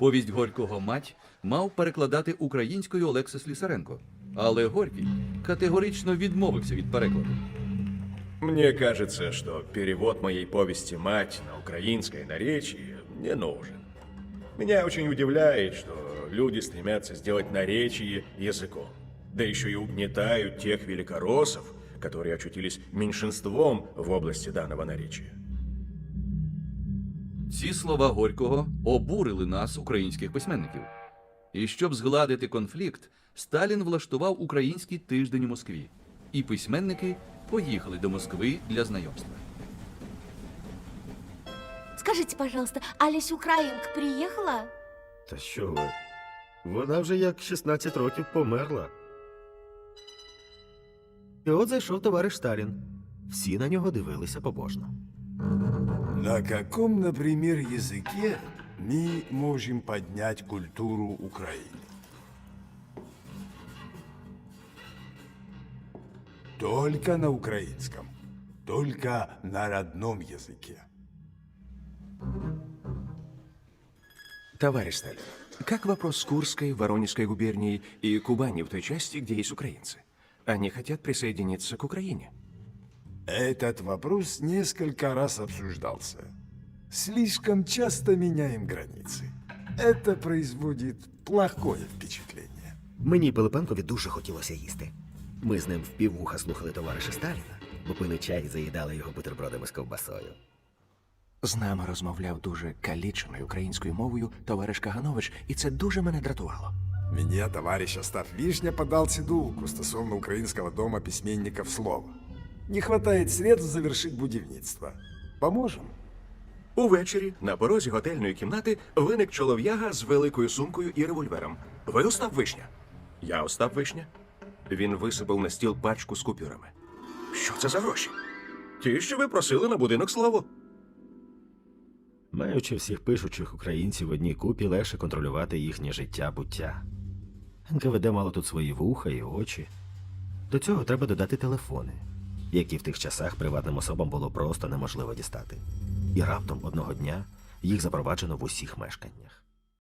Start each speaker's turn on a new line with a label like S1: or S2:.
S1: Повість Горького «Мать» мав перекладати українською Олекса Слісаренко, але Горький категорично відмовився від перекладу.
S2: Мне кажется, что перевод моей повести «Мать» на украинское наречие не нужен. Меня очень удивляет, что люди стремятся сделать наречие языком. Да еще и угнетают тех великороссов, которые очутились меньшинством в области данного наречия.
S1: Ці слова Горького обурили нас, українських письменників. І щоб згладити конфлікт, Сталін влаштував український тиждень у Москві. І письменники поїхали до Москви для знайомства.
S3: Скажите, пожалуйста, Алісь Українка приїхала?
S4: Та що ви? Вона вже як 16 років померла. І от зайшов товариш Сталін. Всі на нього дивилися побожно.
S5: На каком, например, языке мы можем поднять культуру Украины? Только на украинском, только на родном языке.
S2: Товарищ Сталин, как вопрос с Курской, Воронежской губернией и Кубани в той части, где есть украинцы? Они хотят присоединиться к Украине.
S5: Этот вопрос несколько раз обсуждался. Слишком часто меняем границы. Это производит плохое впечатление.
S4: Мені Пилипенкові дуже хотілося їсти. Ми з ним впіввуха слухали товариша Сталіна, бо пили чай і заїдали його бутербродами з ковбасою.
S6: З нами розмовляв дуже каліченою українською мовою товариш Каганович, і це дуже мене дратувало.
S5: Мне товарищ Остап Вишня подал сидулку стосовно украинского дома письменников «Слова». Не хватает средств завершить будівництво. Поможем?
S2: Увечері на порозі готельної кімнати виник чолов'яга з великою сумкою і револьвером. Ви Остап Вишня? Я Остап Вишня. Він висипав на стіл пачку з купюрами. Що це за гроші? Ті, що ви просили на будинок Славу.
S4: Маючи всіх пишучих українців в одній купі, легше контролювати їхнє життя-буття. НКВД мало тут свої вуха і очі. До цього треба додати телефони, які в тих часах приватним особам було просто неможливо дістати. І раптом одного дня їх запроваджено в усіх мешканнях.